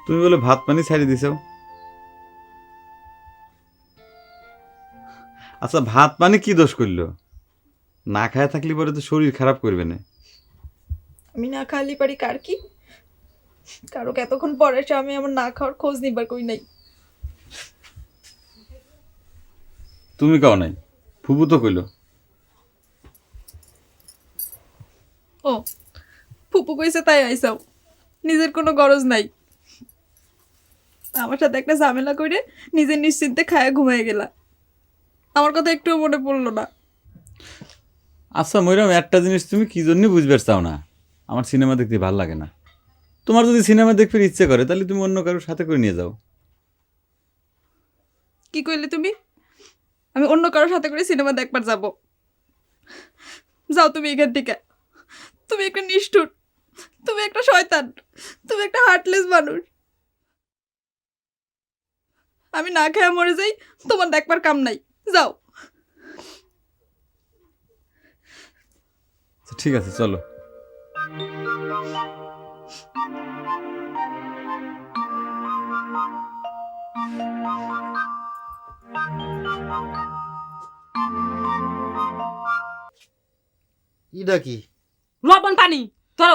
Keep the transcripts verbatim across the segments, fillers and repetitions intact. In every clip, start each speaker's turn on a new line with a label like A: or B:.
A: তুমি বলে ভাত পানি ছাড়ি দিছো। আচ্ছা ভাত পানি কি দোষ করলো? না খায় থাকলে পরে তো শরীর খারাপ করবে না।
B: আমি না খালি পারি কার কি, কারো এতক্ষণ পরে এসে আমি আমার না খাওয়ার খোঁজ নিবার কই নাই।
A: তুমি কাও নাই, ফুপু তো কইলো।
B: ও ফুপু কইছে তাই আইসাও, নিজের কোনো গরজ নাই। আমার সাথে একটা ঝামেলা করে নিজের নিশ্চিন্তে খায়া ঘুমায় গেলা, আমার কথা একটুও মনে পড়লো না।
A: আচ্ছা ময়রাম, একটা জিনিস তুমি কি জন্য বুঝবে চাও না, আমার সিনেমা দেখতে ভালো লাগে না। তোমার যদি সিনেমা দেখতে ইচ্ছে করে তাহলে তুমি অন্য কারোর সাথে করে নিয়ে যাও।
B: কি কইলে তুমি? আমি অন্য কারোর সাথে করে সিনেমা দেখবার যাব? যাও তুমি এখান থেকে। তুমি একটা নিষ্ঠুর, তুমি একটা শয়তান, তুমি একটা হার্টলেস মানুষ। আমি না খেয়ে মরে যাই, তোমার দেখবার কাম নাই, যাও।
A: ঠিক আছে চলো।
C: ইটা কি?
D: লবণ পানি ধরো।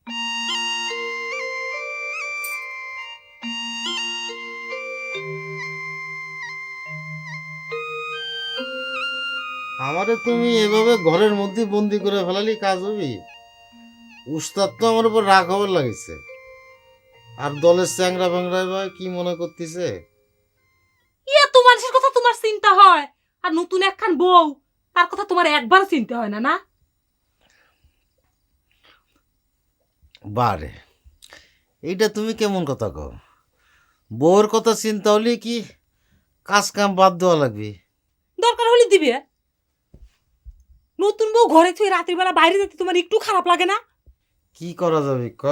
C: আমারে তুমি এভাবে ঘরের মধ্যে বন্দি করে ফেলালি কাজ হবি? উস্তাদ তো আমার উপর রাগ হবার লাগিছে, আর দলের চ্যাংরা ফ্যাংরা ভাই কি মনে করতেছে?
D: ইয়া তো মানুষের কথা তোমার চিন্তা হয়, আর নতুন একখান বউ, তার কথা তোমার একবার চিন্তা হয় না? না
C: বারে, এইটা তুমি কেমন কথা কও? বউর কথা চিন্তা হলে কি কাজ কাম বাদ দেওয়া লাগবে?
D: দরকার হলে দিবে। নতুন বউ ঘরে থেকে রাত্রির বেলা বাইরে যেতে তোমার একটু খারাপ লাগে না?
C: কি করা যাবে ক?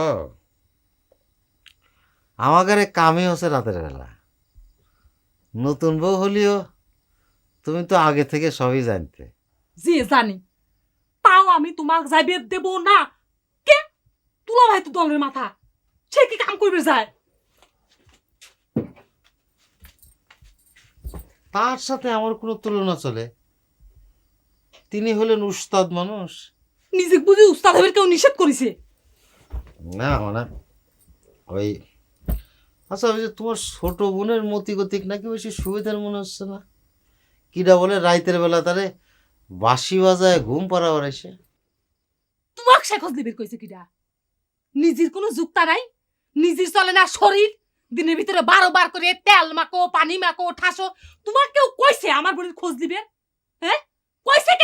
C: আমাদের কামই হচ্ছে রাতের বেলা। নতুন বউ হলিও তুমি তো আগে থেকে সবই জানতে।
D: যে জানি, তাও আমি তোমাক যাইবে দেব না। কে তুলা ভাই তো দলের মাথা, সে কি কাম করবে যায়?
C: তার সাথে আমার কোনো তুলনা চলে? তিনি হলেন উস্তাদ মানুষ।
D: নিজে বুঝি উস্তাদ হবে কেউ নিষেধ করেছে?
C: না মানে ওই, আচ্ছা ওই যে তোমার ছোট বোনের মতি গতিক নাকি বেশি সুবিধার মনে হচ্ছে না? কিরা বলে রাইতের বেলা তারে বাঁশি বাজায় ঘুম পাড়াবার এসে।
D: তোমাক সে খোঁজ দিবে কইছে কিডা? নিজের কোনো যুক্তা নাই, নিজের চলে না শরীর, দিনের ভিতরে বারো বার করে তেল মাখো, পানি মাখো, ঠাসো। তোমার কেউ কইছে আমার বোনের খোঁজ দিবে? হ্যাঁ কইছে কে?